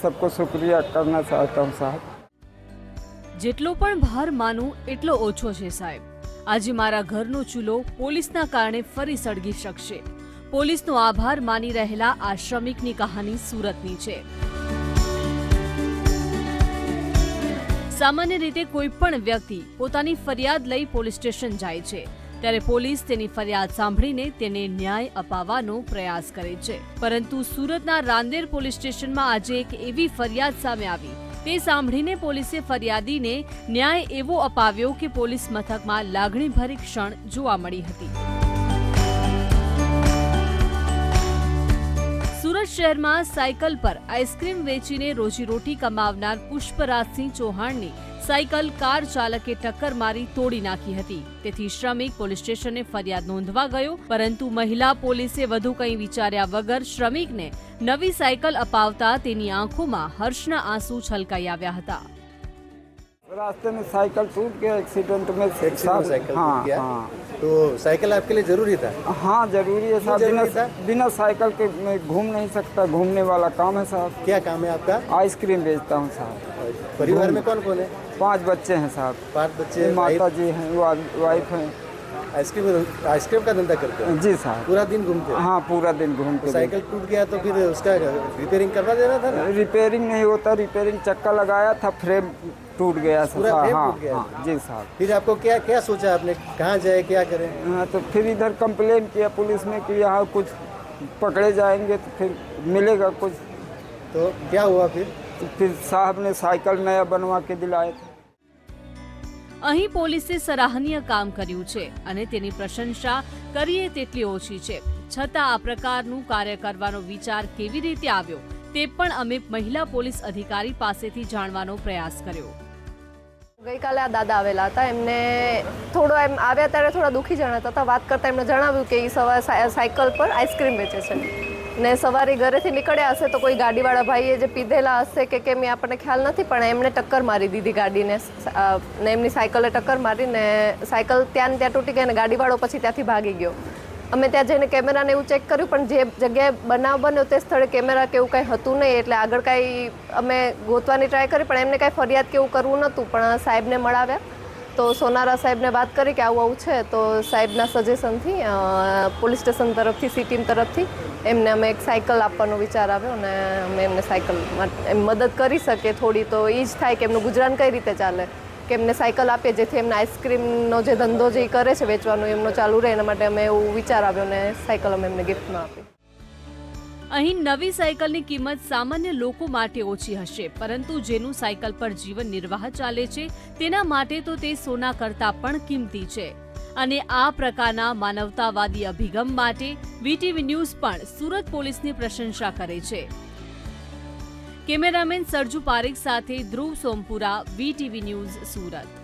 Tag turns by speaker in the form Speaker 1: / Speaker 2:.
Speaker 1: सबको शुक्रिया करना चाहता हूँ साहब।
Speaker 2: જેટલો પણ ભાર માનું એટલો ઓછો છે સાહેબ। આજે મારા ઘરનો ચૂલો પોલીસના કારણે ફરી સળગી શકશે। પોલીસનો આભાર માની રહેલા આ શ્રમિકની કહાની સુરતની છે। સામાન્ય રીતે કોઈ પણ વ્યક્તિ પોતાની ફરિયાદ લઈ પોલીસ સ્ટેશન જાય છે, ત્યારે પોલીસ તેની ફરિયાદ સાંભળીને તેને ન્યાય અપાવવાનો પ્રયાસ કરે છે। પરંતુ સુરતના રાંદેર પોલીસ સ્ટેશનમાં આજે એક એવી ફરિયાદ સામે આવી, તે સાંભળીને પોલીસે ફરિયાદીને ન્યાય એવો અપાવ્યો કે પોલીસ મથકમાં લાગણીભરી ક્ષણ જોવા મળી હતી। સુરત શહેરમાં સાયકલ પર આઈસ્ક્રીમ વેચીને રોજીરોટી કમાવનાર પુષ્પરાજસિંહ ચૌહાણની સાયકલ કાર ચાલકે ટક્કર મારી તોડી નાખી હતી। તેથી શ્રમિક પોલીસ સ્ટેશને ફરિયાદ નોંધવા ગયો, પરંતુ મહિલા પોલીસે વધુ કંઈ વિચાર્યા વગર શ્રમિકને નવી સાયકલ અપાવતા તેની આંખોમાં હર્ષના આંસુ છલકાઈ આવ્યા હતા।
Speaker 1: रास्ते में साइकिल टूट गया एक्सीडेंट में।
Speaker 3: साइकिल
Speaker 1: हाँ,
Speaker 3: टूट गया।
Speaker 1: हाँ।
Speaker 3: तो साइकिल आपके लिए जरूरी था?
Speaker 1: हाँ जरूरी है साहब,
Speaker 3: जरूरी था?
Speaker 1: बिना साइकिल के मैं घूम नहीं सकता। घूमने वाला काम है साहब।
Speaker 3: क्या काम है आपका?
Speaker 1: आइसक्रीम बेचता हूँ साहब।
Speaker 3: परिवार में कौन कौन है?
Speaker 1: 5 बच्चे हैं साहब।
Speaker 3: 5 बच्चे,
Speaker 1: माता जी हैं, वाइफ हैं।
Speaker 3: आइसक्रीम का धंधा करते हैं?
Speaker 1: जी साहब।
Speaker 3: पूरा दिन घूमते हैं?
Speaker 1: हाँ पूरा दिन घूमते।
Speaker 3: साइकिल टूट गया तो फिर उसका रिपेयरिंग करवा देना था ना?
Speaker 1: रिपेयरिंग नहीं होता, रिपेयरिंग चक्का लगाया था, फ्रेम टूट गया।
Speaker 3: पूरा फ्रेम
Speaker 1: हाँ,
Speaker 3: टूट गया?
Speaker 1: हाँ जी साहब।
Speaker 3: फिर आपको क्या क्या सोचा आपने, कहाँ जाए क्या करें?
Speaker 1: हाँ तो फिर इधर कंप्लेन किया पुलिस में कि यहाँ कुछ पकड़े जाएंगे तो फिर मिलेगा कुछ।
Speaker 3: तो क्या हुआ फिर?
Speaker 1: तो फिर साहब ने साइकिल नया बनवा के दिलाए थे।
Speaker 2: અહીં પોલીસે સરાહનીય કામ કર્યું છે અને તેની પ્રશંસા કરીએ તેટલી ઓછી છે। છતાં આ પ્રકારનું કાર્ય કરવાનો વિચાર કેવી રીતે આવ્યો તે પણ અમે મહિલા પોલીસ અધિકારી પાસેથી જાણવાનો પ્રયાસ કર્યો।
Speaker 4: ગઈકાલે આ દાદા આવેલા હતા, એમને થોડો એમ આવ્યા ત્યારે થોડા દુઃખી જણાતા હતા। વાત કરતાં એમને જણાવ્યું કે એ સવારે સાયકલ પર આઈસ્ક્રીમ વેચે છે ને સવારે ઘરેથી નીકળ્યા હશે તો કોઈ ગાડીવાળા ભાઈએ જે પીધેલા હશે કે કેમ એ આપણને ખ્યાલ નથી, પણ એમણે ટક્કર મારી દીધી ગાડીને ને એમની સાયકલે ટક્કર મારીને સાયકલ ત્યાં ને ત્યાં તૂટી ગઈ અને ગાડીવાળો પછી ત્યાંથી ભાગી ગયો। અમે ત્યાં જઈને કેમેરાને એવું ચેક કર્યું, પણ જે જગ્યાએ બનાવ બન્યો તે સ્થળે કેમેરા કે એવું કાંઈ હતું નહીં, એટલે આગળ કાંઈ અમે ગોતવાની ટ્રાય કરી પણ એમને કાંઈ ફરિયાદ કે એવું કરવું નહોતું। પણ સાહેબને મળાવ્યા તો સોનારા સાહેબને વાત કરી કે આવું આવું છે, તો સાહેબના સજેશનથી પોલીસ સ્ટેશન તરફથી સી ટીમ તરફથી એમને અમે એક સાયકલ આપવાનો વિચાર આવ્યો અને અમે એમને સાયકલ એમ મદદ કરી શકીએ થોડી, તો એ જ થાય કે એમનું ગુજરાન કઈ રીતે ચાલે, કે એમને સાયકલ આપીએ જેથી એમને આઈસ્ક્રીમનો જે ધંધો જે કરે છે વેચવાનો એમનો ચાલુ રહે, એના માટે અમે એવું વિચાર આવ્યો અને સાયકલ અમે એમને ગિફ્ટમાં આપી।
Speaker 2: અહીં નવી સાયકલની કિંમત સામાન્ય લોકો માટે ઓછી હશે, પરંતુ જેનું સાયકલ પર જીવન નિર્વાહ ચાલે છે તેના માટે તો તે સોના કરતાં પણ કિંમતી છે। અને આ પ્રકારના માનવતાવાદી અભિગમ માટે વીટીવી ન્યૂઝ પણ સુરત પોલીસની પ્રશંસા કરે છે। કેમેરામેન સરજુ પારેખ સાથે ધ્રુવ સોમપુરા, વીટીવી ન્યૂઝ, સુરત।